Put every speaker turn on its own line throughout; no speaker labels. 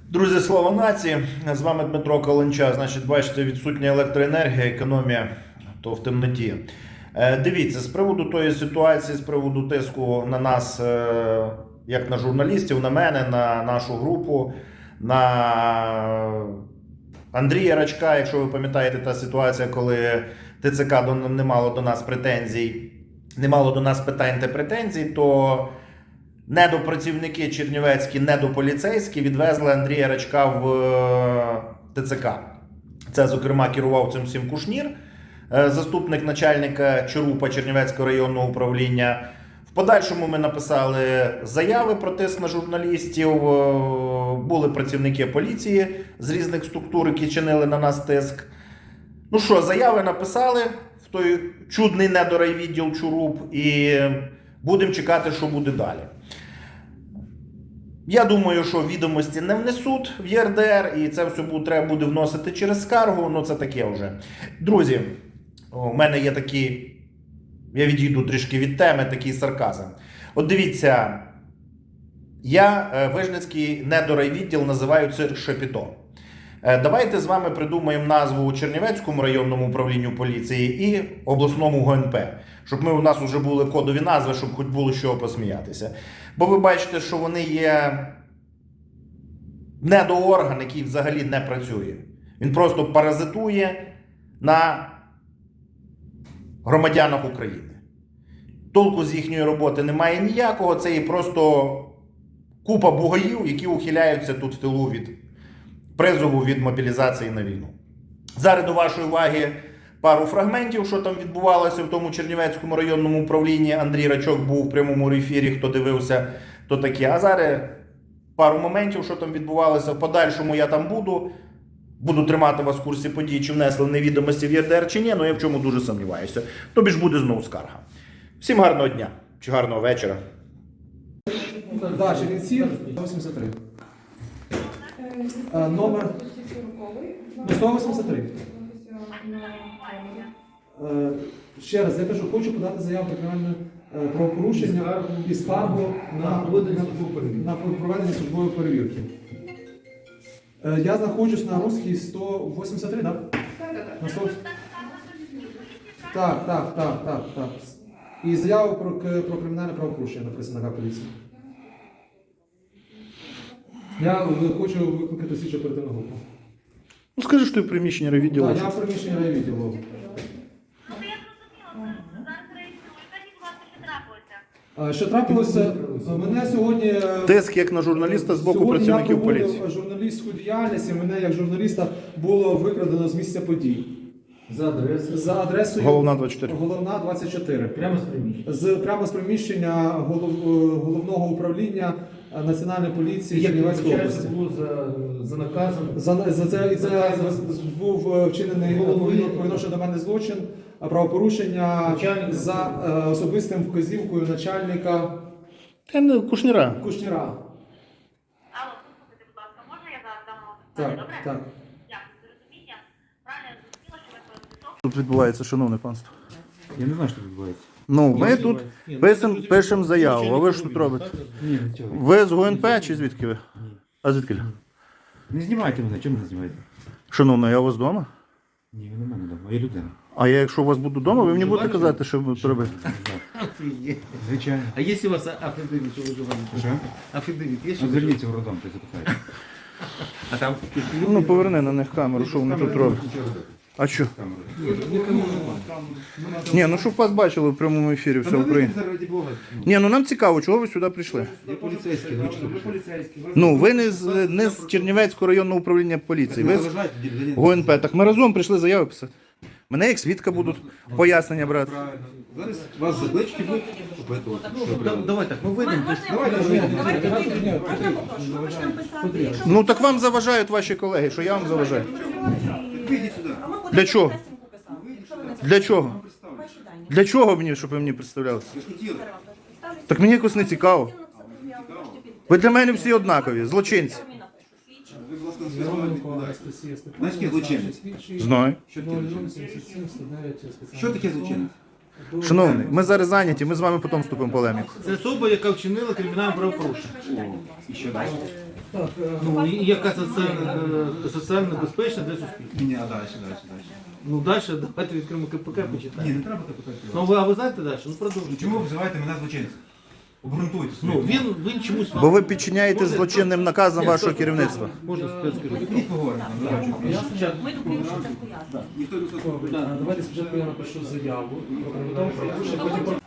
Друзі, слава нації! З вами Дмитро Каленча. Значить, бачите, відсутня електроенергія, економія, то в темноті. Дивіться, з приводу тої ситуації, з приводу тиску на нас, як на журналістів, на мене, на нашу групу, на Андрія Рачка, якщо ви пам'ятаєте, та ситуація, коли ТЦК не мало до нас претензій, не мало до нас питань та претензій, то недопрацівники чернівецькі, недополіцейські відвезли Андрія Рачка в ТЦК. Це, зокрема, керував цим всім Кушнір, заступник начальника ЧРУПа Чернівецького районного управління. В подальшому ми написали заяви про тиск на журналістів, були працівники поліції з різних структур, які чинили на нас тиск. Ну що, заяви написали в той чудний недорайвідділ ЧРУП і будемо чекати, що буде далі. Я думаю, що відомості не внесуть в ЄРДР, і це все треба буде вносити через скаргу, ну це таке вже. Друзі, у мене є такий, я відійду трішки від теми, такий сарказм. От дивіться, я Вижницький недорайвідділ називаю цирк Шапіто. Давайте з вами придумаємо назву Чернівецькому районному управлінню поліції і обласному ГНП. Щоб у нас вже були кодові назви, щоб хоч було з чого посміятися. Бо ви бачите, що вони є недоорган, який взагалі не працює. Він просто паразитує на громадянах України. Толку з їхньої роботи немає ніякого, це є просто купа бугаїв, які ухиляються тут в тилу від призову, від мобілізації на війну. Зараз до вашої уваги пару фрагментів, що там відбувалося в тому Чернівецькому районному управлінні. Андрій Рачок був в прямому ефірі, хто дивився, то таке. А зараз пару моментів, що там відбувалося. В подальшому я там буду тримати вас в курсі подій, чи внесли невідомості в ЄРДР, чи ні, але я в чому дуже сумніваюся. Тобі ж буде знову скарга. Всім гарного дня, чи гарного вечора.
Да, Чернівці, 183. Номер 183. Ще раз, я кажу, хочу подати заяву про кримінальне правопорушення і скаргу на проведення службової перевірки. Я знаходжусь на Руській 183, так? Так. І заяву про кримінальне правопорушення написано на поліції. Я хочу викликати слідчу оперативну групу.
Ну скажи, що ти в приміщенні райвідділу.
Так, я в приміщенні райвідділу. Що трапилося? Мене сьогодні...
Тиск як на журналіста з боку працівників поліції.
Сьогодні я проводив журналістську діяльність, і мене як журналіста було викрадено з місця подій. За адресою
Головна 24.
Головна 24.
Прямо з приміщення?
Прямо з приміщення головного управління Національної поліції Чернівецької області.
Було за наказом?
Це був вчинений по відношенню до мене злочин, правопорушення за особистим вказівкою начальника
Кушніра.
Кушніра.
Алло, послухайте, будь ласка, можна я зараз дам вам питання, добре?
Так.
Дякую за розуміння. Правильно я зрозуміла, що ви проти
Тут відбувається, шановне панство.
Я не знаю, що відбувається.
Ну, ми тут пишемо заяву, а ви що тут робите?
Ні, нічого.
Ви з ГУНП чи звідки ви? А звідки?
Не знімайте мене, чому не знімаєте?
Шановна, я у вас вдома?
Ні, ви не мене вдома, я людина.
А я, якщо у вас буду вдома, ви мені будете казати, що ви робити?
Звичайно.
А есть у вас афидевит, что вы живете?
Що?
Афидевит есть? что вы
Зверніться в роддом, ти запитаєте.
А там...
Ну, поверни на них камеру, що вони тут роблять. А що? Ні, ну щоб вас бачили в прямому ефірі, все Україна.
Ради Бога.
Ні, ну нам цікаво, чого ви сюди прийшли?
Я поліцейський, ви що? Ви поліцейський.
Ну, ви не з Чернівецького районного управління поліції, ви з ГУНП. Так ми разом прийшли заяви писати. Мене як свідка будуть пояснення брати.
Правильно. Зараз вас заклички будуть,
Давай так, мы выйдем.
Ну так вам заважають ваші колеги, що я вам заважаю.
Вийдіть сюди.
Для чого? Для чого? Для чого мені, щоб ви мені представлялися?
Ви ж хотіли.
Так мені якось не цікаво. Ви для мене всі однакові, злочинці.
Ви, будь ласка, не зробили відповідальність. Знаєш, яке злочинець?
Знаю.
Що таке злочинець? Що таке злочинець?
Шановний, ми зараз зайняті, ми з вами потім вступимо в полеміку.
Це особа, яка вчинила кримінальне правопорушення.
І що далі?
Так,
Ну, і яка соціально безпечна для суспільства.
Ні, а далі.
Ну, далі давайте відкриємо КПК,
Ні,
почитаємо.
не треба так питати.
Ну, а ви знаєте далі? Ну, продовжуйте.
Чому ви взиваєте мене злочинцем? Обґрунтуйте
Ну,
свої.
він чомусь...
Бо ви підчиняєте злочинним наказам вашого керівництва.
Можна спецкерівник?
Ідіть поговоримо.
Ми думаємо, що це пояснює.
Ніхто не слухає.
давайте спочатку я напишу заяву про кримінальне правопорушення, потім про...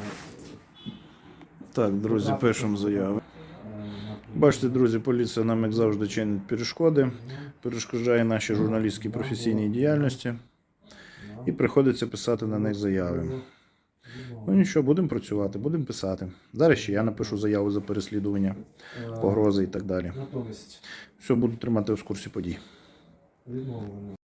Так, друзі, пишемо заяви. Бачите, друзі, поліція нам, як завжди, чинить перешкоди, перешкоджає нашій журналістській професійній діяльності і приходиться писати на них заяви. Ну нічого, будемо працювати, будемо писати. Зараз ще я напишу заяву за переслідування, погрози і так далі.
Натомість
Все, буду тримати в курсі подій.
відмовлено.